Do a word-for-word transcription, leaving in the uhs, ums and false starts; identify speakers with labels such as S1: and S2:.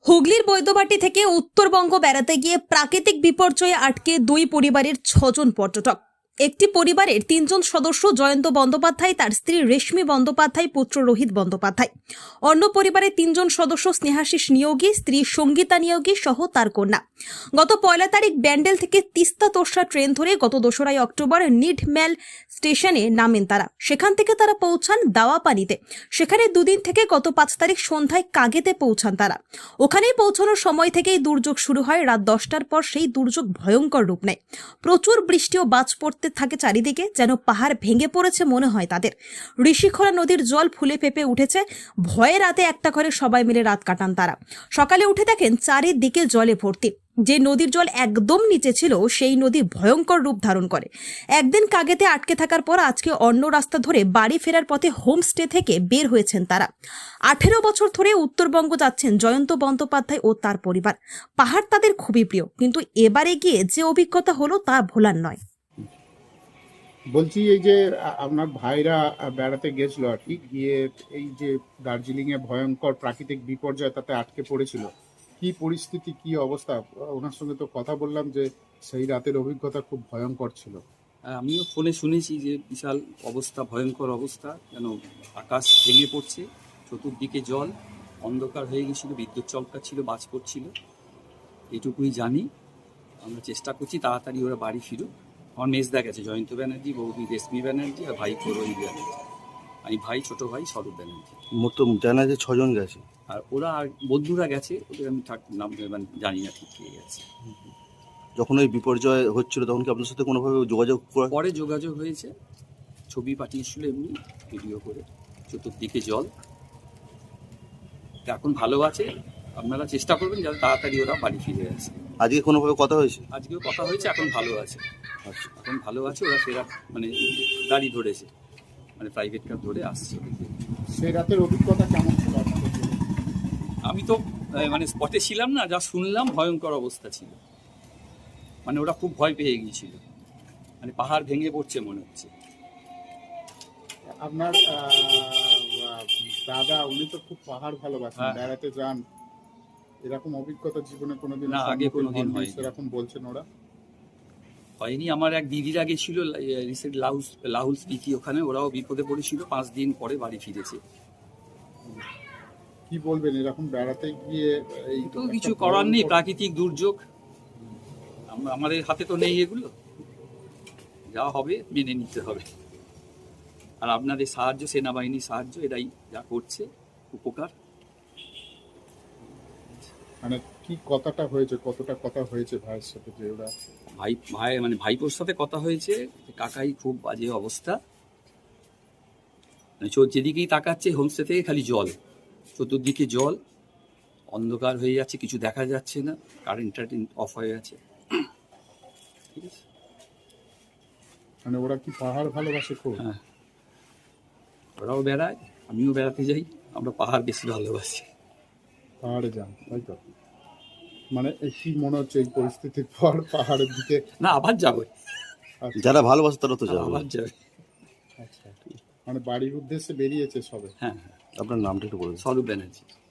S1: হুগলির বৈদ্যবাটি থেকে উত্তরবঙ্গ বেড়াতে গিয়ে প্রাকৃতিক বিপর্যয়ে আটকে দুই পরিবারের ছজন পর্যটক। একটি পরিবারের তিনজন সদস্য জয়ন্ত বন্দ্যোপাধ্যায়, তার স্ত্রী রেশমি বন্দ্যোপাধ্যায়, পুত্র রোহিত বন্দ্যোপাধ্যায়। অন্য পরিবারের তিনজন সদস্য স্নেহাশিস নিয়োগী, স্ত্রী সঙ্গীতা নিয়োগী সহ তার কন্যা। গত পয়লা তারিখ ব্যান্ডেল থেকে তিস্তা তোরসা ট্রেন ধরে গত দোসরাই অক্টোবর নিডম্যাল স্টেশনে নামেন তারা। সেখান থেকে তারা পৌঁছান দাওয়াপানিতে। সেখানে দুদিন থেকে গত পাঁচ তারিখ সন্ধ্যায় কাগেতে পৌঁছান তারা। ওখানেই পৌঁছানোর সময় থেকেই দুর্যোগ শুরু হয়। রাত দশটার পর সেই দুর্যোগ ভয়ঙ্কর রূপ নেয়। প্রচুর বৃষ্টি ও বাজ পড়তে থাকে চারিদিকে, যেন পাহাড় ভেঙে পড়েছে মনে হয় তাদের। ঋষিখোলা নদীর জল ফুলে ফেপে উঠেছে। ভয়ে রাতে একটা ঘরে সবাই মিলে রাত কাটান তারা। সকালে উঠে দেখেন চারিদিকে জলে ভর্তি। যে নদীর জল একদম নিচে ছিল সেই নদী ভয়ঙ্কর রূপ ধারণ করে। একদিন কাগেতে আটকে থাকার পর আজকে অন্য রাস্তা ধরে বাড়ি ফেরার পথে হোমস্টে থেকে বের হয়েছেন তারা। আঠেরো বছর ধরে উত্তরবঙ্গ যাচ্ছেন জয়ন্ত বন্দ্যোপাধ্যায় ও তার পরিবার। পাহাড় তাদের খুবই প্রিয়, কিন্তু এবারে গিয়ে যে অভিজ্ঞতা হলো তা ভোলার নয়।
S2: বলছি, এই যে আ- আপনার ভাইরা বেড়াতে গেছিল আর কি, গিয়ে এই যে দার্জিলিং এ ভয়ঙ্কর প্রাকৃতিক বিপর্যয় তাতে আটকে পড়েছিল, কি পরিস্থিতি, কি অবস্থা? ওনার সঙ্গে তো কথা বললাম যে সেই রাতের অভিজ্ঞতা খুব ভয়ঙ্কর ছিল।
S3: আমিও ফোনে শুনেছি যে বিশাল অবস্থা, ভয়ঙ্কর অবস্থা, যেন আকাশ ভেঙে পড়ছে, চতুর্দিকে জল, অন্ধকার হয়ে গেছিলো, বিদ্যুৎ চমকাচ্ছিল, বাজ পড়ছিল। এটুকুই জানি। আমরা চেষ্টা করছি তাড়াতাড়ি ওরা বাড়ি ফিরুক। আমার মেজদা গেছে, জয়ন্ত ব্যানার্জি, বৌদি রেশমি ব্যানার্জি, আর ভাই রোহিত ব্যানার্জি। আমি ভাই, ছোট ভাই স্বরূপ ব্যানার্জি।
S4: মোট জানা যে ছজন গেছে।
S3: আর ওরা আর বন্ধুরা গেছে, ওদের আমি ঠিক নাম মানে জানি না ঠিক কে গেছে।
S4: যখন ওই বিপর্যয় হচ্ছিল তখন কি আপনার সাথে কোনোভাবে যোগাযোগ করা?
S3: পরে যোগাযোগ হয়েছে, ছবি পাঠিয়েছিল এমনি ভিডিও করে, চতুর্দিকে জল। তো এখন ভালো আছে। আপনারা চেষ্টা করবেন যাতে তাড়াতাড়ি ওরা বাড়ি ফিরে আসে।
S4: আজকে কোনোভাবে কথা হয়েছে?
S3: আজকেও কথা হয়েছে, এখন ভালো আছে।
S4: আচ্ছা,
S3: এখন ভালো আছে, ওরা ফেরা মানে গাড়ি ধরেছে, মানে প্রাইভেট কার ধরে আসছে।
S2: সেই রাতের অভিজ্ঞতা কেমন ছিল আপনাদের জন্য?
S3: আমি তো আহ, মানে স্পটে ছিলাম না, যা শুনলাম ভয়ঙ্কর অবস্থা ছিল। মানে ওরা খুব ভয় পেয়ে গিয়েছিল, মানে পাহাড় ভেঙে পড়ছে মনে হচ্ছে।
S2: আপনার আহ, আহ, দাদা, উনি তো খুব পাহাড় ভালোবাসেন,
S3: হ্যাঁ।
S2: বেড়াতে যান, এরকম অভিজ্ঞতা জীবনে কোনোদিন
S3: না, আগে কোনোদিন হয়নি।
S2: সেরকম বলছেন ওরা।
S3: হয়নি। আমার এক দিদিরা গেছিল রিসেন্ট লাহুল লাহুল স্পিতি, ওখানে ওরাও বিপদে পড়েছিল, পাঁচ দিন পরে বাড়ি ফিরেছে।
S2: কি বলবেন এরকম বেড়াতে গিয়ে? এই
S3: তো কিছু করার নেই, প্রাকৃতিক দুর্যোগ, আমরা আমাদের হাতে তো নেই এগুলো, যা হবে মেনে নিতে হবে। আর আপনাদের সাহায্য, সেনাবাহিনীর সাহায্য, এরাই যা করছে উপকার।
S2: মানে কি কথাটা হয়েছে, কতটা কথা হয়েছে ভাইয়ের সাথে যে ওরা?
S3: ভাই ভাই মানে ভাইপোর সাথে কথা হয়েছে, যে কাকাই খুব বাজে অবস্থা, মানে চোর যেদিকেই তাকাচ্ছে হোমস্টে থেকে খালি জল, চতুর্দিকে জল, অন্ধকার হয়ে যাচ্ছে, কিছু দেখা যাচ্ছে না, কারেন্ট টারেন্ট অফ হয়ে আছে। ঠিক আছে।
S2: মানে ওরা কি পাহাড় ভালোবাসে খুব?
S3: হ্যাঁ, ওরাও বেড়ায়, আমিও বেড়াতে যাই, আমরা পাহাড় বেশি ভালোবাসি।
S2: পাহাড়ে যান, তাই তো? মানে এই কি মনে হচ্ছে এই পরিস্থিতির পর পাহাড়ের দিকে?
S3: না, আবার যাবো।
S2: আচ্ছা,
S4: যারা ভালোবাসে তারা তো যাবে।
S3: আবার যাবে।
S2: আচ্ছা, মানে বাড়ির উদ্দেশ্যে বেরিয়েছে সবে।
S3: হ্যাঁ হ্যাঁ।
S4: আপনার নামটা একটু বলুন।
S3: স্বরূপ ব্যানার্জি।